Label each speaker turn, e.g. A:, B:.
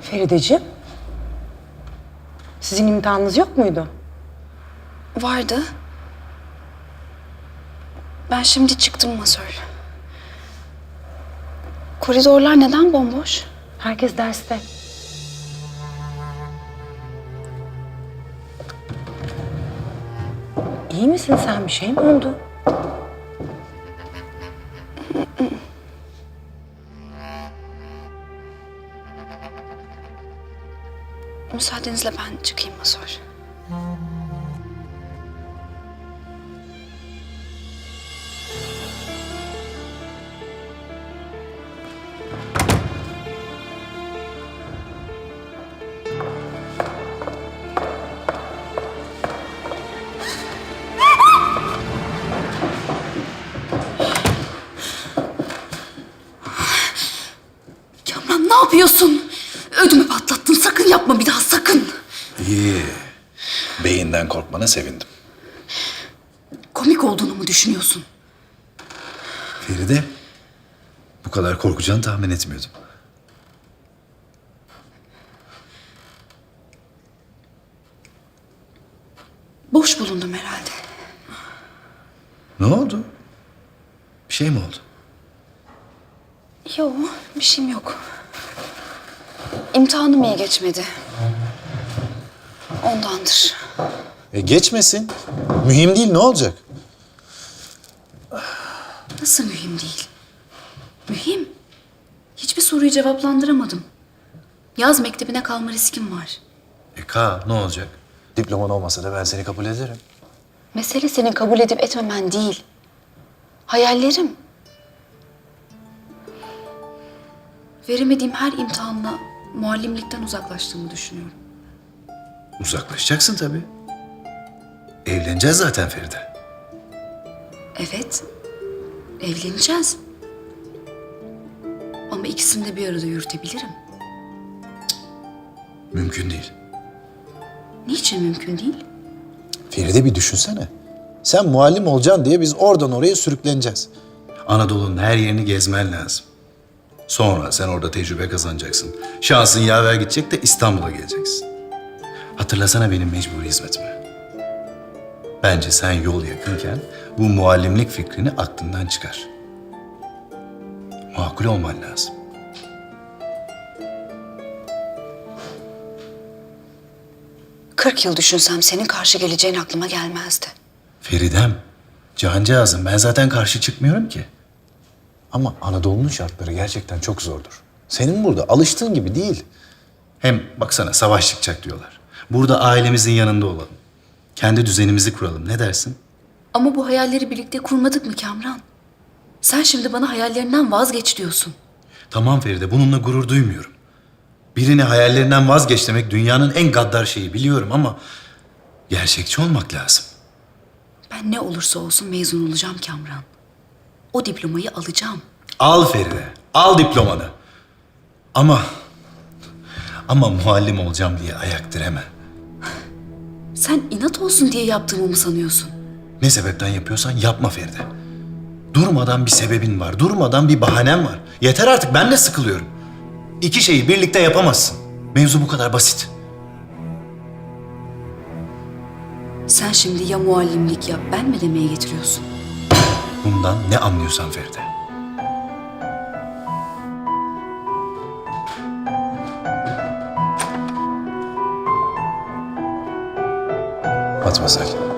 A: Ferideciğim, sizin imtihanınız yok muydu?
B: Vardı. Ben şimdi çıktım masör. Koridorlar neden bomboş?
A: Herkes derste. İyi misin sen? Bir şey mi oldu?
B: Müsaadenizle ben çıkayım masör. Kamran ne yapıyorsun? Ödümü patlattın. Sakın yapma bir daha sakın.
C: İyi. Beyinden korkmana sevindim.
B: Komik olduğunu mu düşünüyorsun?
C: Feride, bu kadar korkacağını tahmin etmiyordum.
B: Boş bulundum herhalde.
C: Ne oldu? Bir şey mi oldu?
B: Yok, bir şeyim yok. İmtihanım iyi geçmedi. Ondandır.
C: Geçmesin. Mühim değil, ne olacak?
B: Nasıl mühim değil? Mühim. Hiçbir soruyu cevaplandıramadım. Yaz mektebine kalma riskim var.
C: Ne olacak? Diploman olmasa da ben seni kabul ederim.
B: Mesele senin kabul edip etmemen değil. Hayallerim. Veremediğim her imtihanla muallimlikten uzaklaştığımı düşünüyorum.
C: Uzaklaşacaksın tabii. Evleneceğiz zaten Feride.
B: Evet, evleneceğiz. Ama ikisini de bir arada yürütebilirim.
C: Mümkün değil.
B: Niçin mümkün değil?
C: Feride bir düşünsene. Sen muallim olacaksın diye biz oradan oraya sürükleneceğiz. Anadolu'nun her yerini gezmen lazım. Sonra sen orada tecrübe kazanacaksın. Şansın yaver gidecek de İstanbul'a geleceksin. Hatırlasana benim mecburi hizmetimi. Bence sen yol yakınken bu muallimlik fikrini aklından çıkar. Makul olman lazım.
B: ...40 yıl düşünsem senin karşı geleceğin aklıma gelmezdi.
C: Feridem, cancağızım ben zaten karşı çıkmıyorum ki. Ama Anadolu'nun şartları gerçekten çok zordur. Senin burada alıştığın gibi değil. Hem baksana savaş çıkacak diyorlar. Burada ailemizin yanında olalım. Kendi düzenimizi kuralım. Ne dersin?
B: Ama bu hayalleri birlikte kurmadık mı Kamran? Sen şimdi bana hayallerinden vazgeç diyorsun.
C: Tamam Feride, bununla gurur duymuyorum. Birini hayallerinden vazgeç demek dünyanın en gaddar şeyi biliyorum ama... ...gerçekçi olmak lazım.
B: Ben ne olursa olsun mezun olacağım Kamran. O diplomayı alacağım.
C: Al Feride, al diplomanı. Ama muallim olacağım diye ayak direme.
B: Sen inat olsun diye yaptığımı mı sanıyorsun?
C: Ne sebepten yapıyorsan yapma Feride. Durmadan bir sebebin var, durmadan bir bahanen var. Yeter artık, ben de sıkılıyorum. İki şeyi birlikte yapamazsın. Mevzu bu kadar basit.
B: Sen şimdi ya muallimlik yap, ben mi demeye getiriyorsun?
C: Bundan ne anlıyorsan Feride. Matmazel.